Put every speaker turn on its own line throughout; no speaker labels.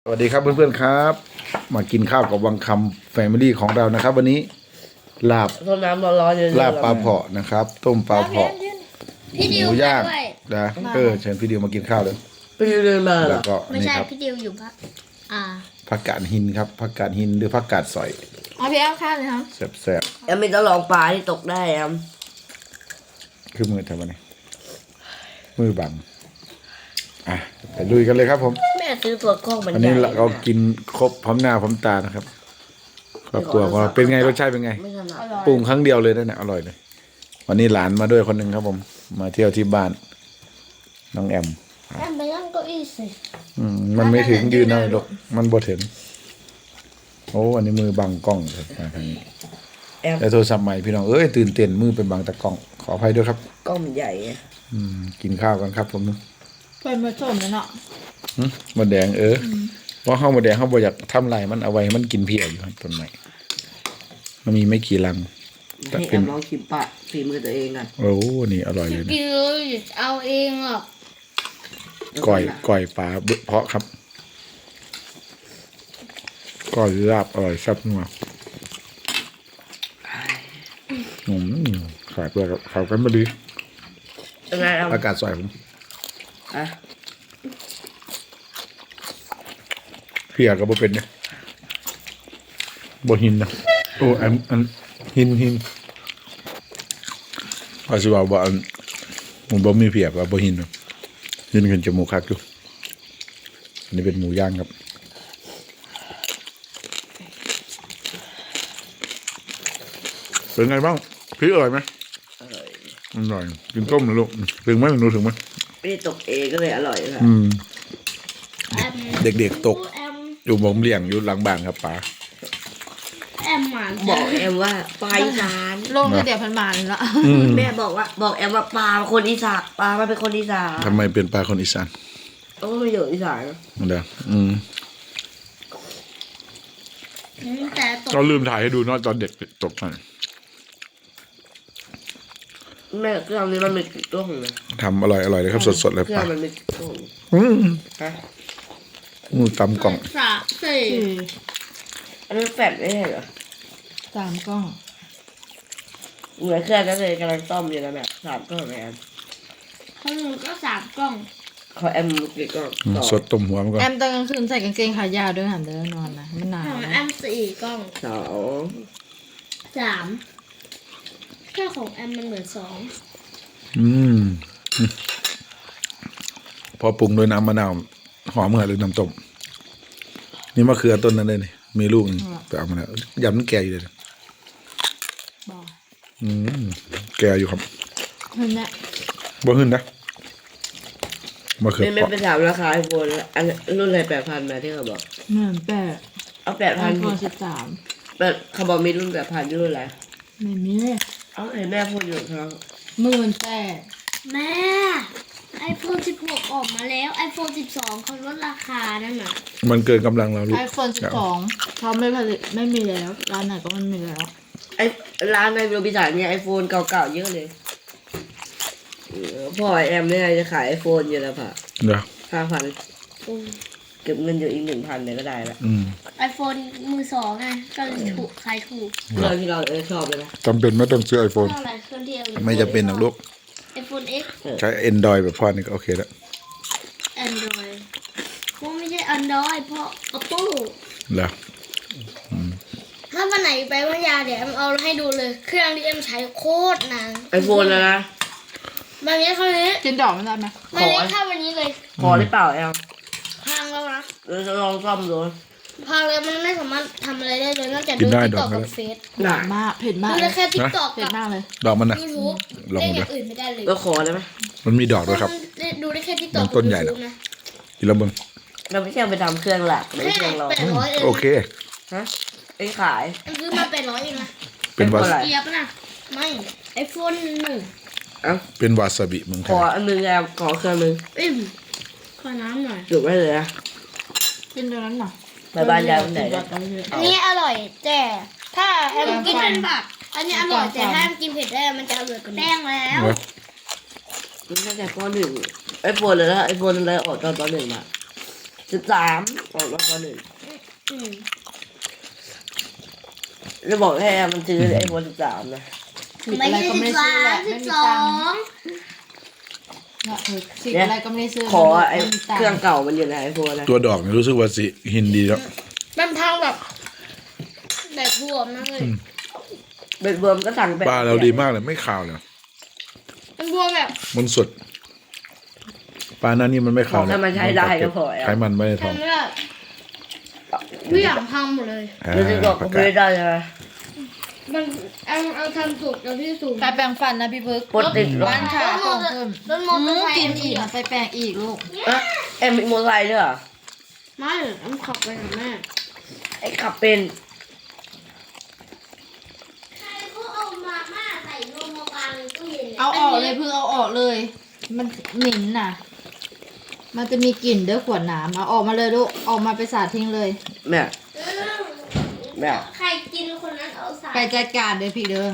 สวัสดีครับเพื่อนๆครับมากินข้าวกับวังคำแฟมิลี่ของเรานะครับ วันนี้ลาบ
ต้มน้ำร้อนๆเยอะๆ
ลาบปลาเผาะนะครับ ต้มปลาเผาะ
พี่
ห
ดิว
มูย่าง
ด้วย
นะเชิญพี่ดิวมากินข้าวเลย
ไปเดินมาเหร
แล้
อ
วก็
ไม่
นี่
ใช่
ครับ
พี่ดิวอยู่พัก
ผักกาดหินครับผักกาดหินหรือผักกาดสอย
เอาพี่แอมข้าวเลยครับ
แซ่บ
แอมไม่ต้องลองปลาที่ตกได้แอม
ๆคือมือทำอะไรมือบังอ่ะไปลุยกันเลยครับผม
แม่ซื้อตัวกล้องมัน
วัน
ใหญ่
นี้เรากินครบพร้อมหน้าพร้อมตานะครับครอบครัวของเราเป็นไงรสชาติเป็นไง
ไม่ถนัด
ปรุงครั้งเดียวเลยนะเนี่ยอร่อยเลย วันนี้หลานมาด้วยคนหนึ่งครับผม มาเที่ยวที่บ้าน น้องแอม
แอมไปนั่งเก้าอี้สิ
มันไม่ถึงยืนเอาหรอกมันบ่ถึงโอ้อันนี้มือบังกล้องเลยมาทางนี้
แอม
แต่โทรศัพท์ใหม่พี่น้องเอ้ยตื่นเต้นมือเป็นบังตะกล้อง ขออภัยด้วยครับ
กล้องมันใหญ่ไง
กินข้าวกันครับผม
เป็นผสมแล้วเนาะ
หมดแดงเพราะข้าวหมดแดงเขาบ่อยากทำลายมันเอาไว้ให้มันกินเพียอยู่ครับต้นใหม่มันมีไม่กี่รังแต่
ให้แอ
เป็น
มลองชิมปะฝีมือตัวเองกัน
โอ้นี่อร่อยเลยนะ
กินเลยเอาเองหรอก
ก้อยปลาเบเพาะครับก้อยลาบอร่อยแซ่บนัวขาดด้วยครับขาวกันมาดี
ยังไงแอม
อากาศสวยผม
อ่ะ
เพียก็บ่เป็นเนี่ยบ่หินนะโอ้อันหินว่าสิว่าบ่อันมันบ่มีเพียว่าบ่หินนะหินขึ้นจมูกคักอยู่อันนี้เป็นหมูย่างครับเป็นไงบ้างพี่อร่อยไหมอร่อยกินต้มนะลูกถึงไหมหนูถึงไหม
ไม่ได้ตกเองก็เลยอร่อยค่ะ
แอม
เด็กๆตก
แอม
อยู่ผมเลี้ยงอยู่หลังบ้านครับป๋า
แอมหมาน
บอกแอมว่าปลาอีสาน
ลงเดี๋ยวพันบาทละ
แม่บอกแอมว่าปลาเป็นคนอีสานปลามันเป็นคนอีสาน
ทำไมเป็นปลาคนอีสาน
โอ้ไม่อยู่อีสาน
เดี๋ยว
แต่ตก
เราลืมถ่ายให้ดูเนาะตอนเด็กตกกัน
แม่เครื่องนี้มันมีกี่ตัวของเลย
ทำอร่อยเลยครับสดๆเลย
เครื่อ
ป๋าง
มันมีกี่ตัว ฮะ
มือตำกล่อง
สามสี่
อันนี้แฟดไม่ใช่เหรอ
3 กล้อง
เหมือนเครื่องนั้นเลยกำลังต้มอยู่นะแบบ3กล้องแอม
ของหนูก็สามกล่อง
ขอแอมกี่กล้องต่อ
สดต้มหัวมันก่อน
แอมตอนกลางคืนใส่กางเกงขายาวด้วยหันเดินนอนนะมันหนาว
ของแอมสี่กล่อง
สอง
สามแค่ของแอมมันเหมือนสอง
พอปรุงด้วยน้ำมะนาวหอมเหมือนหรือน้ำต้มนี่มะเขือต้นนั้นเลยนี่มีลูกนึงไปเอามาแล้วยำมันแก่อยู่เลยนะ
บอก
แก่อยู่ครับ
เห็นไหม
บ่ขึ้นนะมะเขือ
ไม่
เปราะ
ไปถามราคาไอโฟนอันรุ่นอะไร8,000มาที่เขาบอก
เหมือนแปด
เอา
ไอโฟน
8,000
13
แต่เขาบอกมีรุ่น8,000รุ่นอะไร
ไม่มี
เอาเห็นแม่พูดอยู่ครับ
18,000
แม่ไอโฟน16ออกมาแล้วไอโฟน12เขาลดราคานั่นน่ะ
มันเกินกำลังเราลูก
ไอโฟน12เขาไม่ผลิตไม่มีแล้วร้านไหนก็ไม่มีแล้ว
ไอร้านในโรบินสันเนี่ยไอโฟนเก่าๆเยอะเลยพ่อแอมเนี่ยจะขายไอโฟนอยู่แล้วค่ะ
เดี๋ยว
5,000เก็บเงินอยู่อีก 1,000เลยก็ได้ละ
ไอโฟนมือสองไงก็เลยถูกขายถูก
เรื่องที่เราชอบเลยนะ
จำเป็นไม่ต้องซื้อไอโฟน
เท่าไหร่เครื่องเดียว
ไม่จะเป็นหรอกลูก
ไอโฟน X
ใช้ Android แบบพ่อนี่ก็โอเคแล้ว
Android พวกไม่ใช่ Android เพราะ Apple
เหรอ
ถ้าวันไหนไปพัทยาเดี๋ยวเอ็มเอาให้ดูเลย เครื่องที่เอ็มใช้โคตรนาน
ไอโฟนนะ
วันนี้เท่านี้
กินดอกมันได้ไหม
วันนี้เท่าวันนี้เลย
พอหรือเปล่าแอม
พังแล้วนะ
เราจะลองซ่อมดู
พังเลยมันไม่สามารถทำอะไรได้เลยนอกจาก
กิ
ดู
นได้
ติ๊ก
ด
ต็
อ
อก ก
ก็
กับ
ได้
เฟซ
หนามากเผ็ดมาก
ดู
เล
ได้
ย
แค่ติ๊กต็อก
เผ็ด
กับ
มากเลย
ดอกมันนะ
ยูทูบ
ลอง
เล่น
ดู
อย่างอื่นไม่ได้เลย
ก็ขอได้ไหม
มันมีดอกด้วยครับ
ดูได้แค่ติ๊กต็
มั
อก
นต้นใหญ่นะ
นะ
กินแล้วมึง
เราไม่ใช่เอาไปทำเครื่องหลักไม่
แค่
ใช่เครื่องรอง
800เอง
โอเค
ฮะไอ้ขาย
เอ็มซื้อมา800เองนะ
เป็นวา
เป็นอะไร
เกียบนะไม่ไอโฟน1
เอ้า
เป็นวาซาบิเมืองไท
ขอย อันนึงแอมขอเครื่องนึง
ขอน้ำหน่อย
จุดไว้เลยนะ
กินตัวนั้นหน่อย
ไปบ้านยายวันไหน
กิ
นะ
ดอกเลย
อันนี้อร่อยแต่ถ้าแอมกินเป็นบักอันนี้อร่อยแต่ถ้าแอมกินเผ็ดได้มันจะอร่อยกว่านี้แป้งแล้ว
เหรอ
ตั้งแต่ป .1 ไอโฟนเลยนะไอโฟนอะไรออกตอนป .1 มา 13ก่อนว่า1
อืม
จะบอกให้มันซื้อไอ้โฟน13นะ
สิบอะไรก็ไม่ได้ซื้อแหละไม่มีตังค์สิบอะไรก็ไม่ได้ซื้อ
ขอไอ้
ม่มีตัง
เครื่องเก่ามันอยู่ในไอโฟนนะ
ตัวดอกเนี่ยรู้สึกว่าสิหินดีแล้ว
มันพังแบบบวมมากเลย
เบ็ดเบิร์มก็สั่งไป
ปลาเราดีมากเลยไม่ขาวเลย
มันบวมแบบ
มันสดปลาหน้านี่มันไม่
ข
ขา
อ
ว
ให้มันใช้ได้ก็พอ
ไขมันไม่ได้ท้อง
ทำไม่ได้ทุกอย่างพังหมดเลย
รู้สึกบอกก็ไม่ได้ใช่ไหม
มันเอาทำสุกเอาที่สูง
ไปแปรงฟันนะพี่พึก
ปกติ
บ้านขาของเพิ่ม
รถมอเตอร์ไซค์
กินอีกนะไปแปรงอีกลูก
เอ็มมีมอเตอร์ไซค์ด้วยเหรอ
ไม่มันขับไปกับแม่
ไอ้ขับเป็น
ใครเขาเอามาม่าใส่นมมาวางในตู้เย็น
เอาออกเลยเพิ่งเอาออกเลย มันเหม็นน่ะ มันจะมีกลิ่นเด้อขวดน้ำเอาออกมาเลยลูกออกมาไปสาดทิ้งเลย
แม่แม่
ใครกินคนนั้นเอาใส่
ไปจัดการเลยพี่เด้อ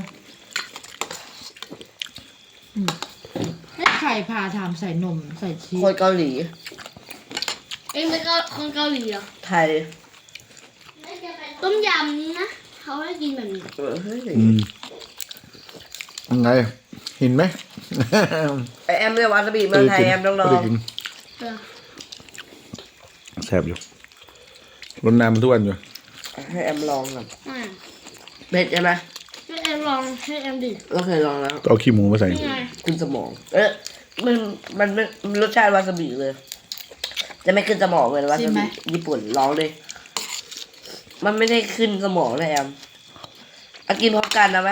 ให้ใครพาทำใส่นมใส่ชี
คน
ส
เกาหลี
เองเป็นคนเกาหลีเหรอ
ไทย
ต้มยำนี้นะเขาให้กินแบบนี้
เฮ้ย
ยังไงเห็นไหม
ไอแอมเรียกวาซาบิเมืองไทยแอมต้องลอง
ไม่ได้กิน
เออ
แซ่บอยู่รดน้ำมันทุกวันอยู่
ให้แอมลองก่อน
อ่า
เผ็ดใช่ไหม
ให้แอมลองให้แอมดิ
เราเคยลองแล้ว
ก็เอาขี้หมูมาใส่
นี่ไง
ขึ้นสมอง มันรสชาติวาซาบิเลย จะไม่ขึ้นสมองเลยวาซาบิญี่ปุ่นลองเลย มันไม่ได้ขึ้นสมองนะแอมเอากินพร้อมกันนะไหม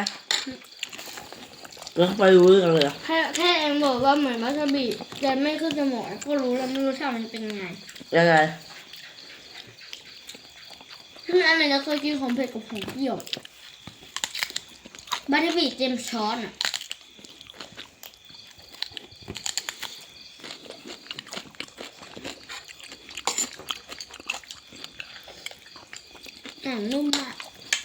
แล้วไปรู้เรื่องเลย
แค่แอมบอกว่าเหมือนวาซาบิแต่ไม่ขึ้นสมองก็รู้แล้วไม่รู้ชาติมันเป็นยังไง
ยังไง
ซึ่งอันไหนจะเคยกินของเผ็ดกับของเปรี้ยววาซาบิเต็มช้อนอ่ะนุ่มมาก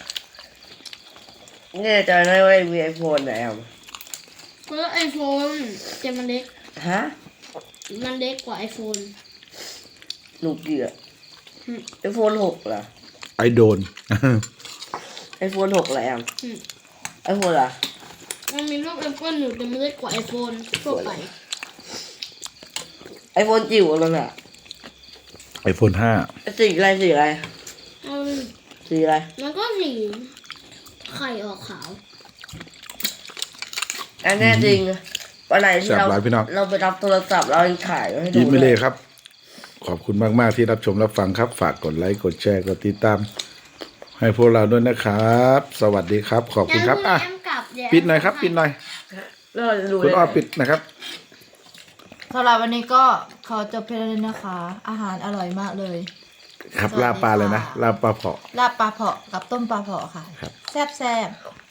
เนี่ยจะได้ว่ามีไอโฟนนะแอม
เพราะไอโฟนแต่มันเล็ก
ฮะ
มันเล็กกว่าไอโฟน
หนูเกลียดไอโฟน6เหรอ
ไอโดน
ไอโฟน6เหรอแอมไอโฟนล่ะ
มันมีรูปแอปเปิลอยู่แต่มันเล็กกว่าไอโฟนทั่วไป
ไอโฟนจิ๋วเลยอ่ะ
ไอโฟน5
สีอะไรสีอะไร
อืม
สีอะไร
มันก็สีไข่ออกขาว
อันแน่จริงวันไหนที่
แซ่บหลายพี่น้อง
เราไปรับโทรศัพท์เรายังถ่ายไว้ให้ดู
ยิ้มไม่
เล
เล่ครับ ขอบคุณมาก ๆ ที่รับชมรับฟังครับ ฝากกดไลค์ กดแชร์ กดติดตาม ให้พวกเราด้วยนะครับ สวัสดีครับ ขอบคุณครับ อ่ะ
แอมกลับเดี๋ยว
ปิดหน่อยครับ ปิดหน่อย
แล้วเราจะดู
คุณ
ได้
อ้อ
ไง
ปิดนะครับ
สำหรับวันนี้ก็ขอจบเพียงเท่านี้นะคะ อาหารอร่อยมากเลย
ครับ
สวัสดี
ลาบปลาเลยนะ
ค่ะ
ลาบปลาเผาะ
ลาบปลาเผาะกับต้มปลาเผาะค่ะ
ครับ
แซ่บ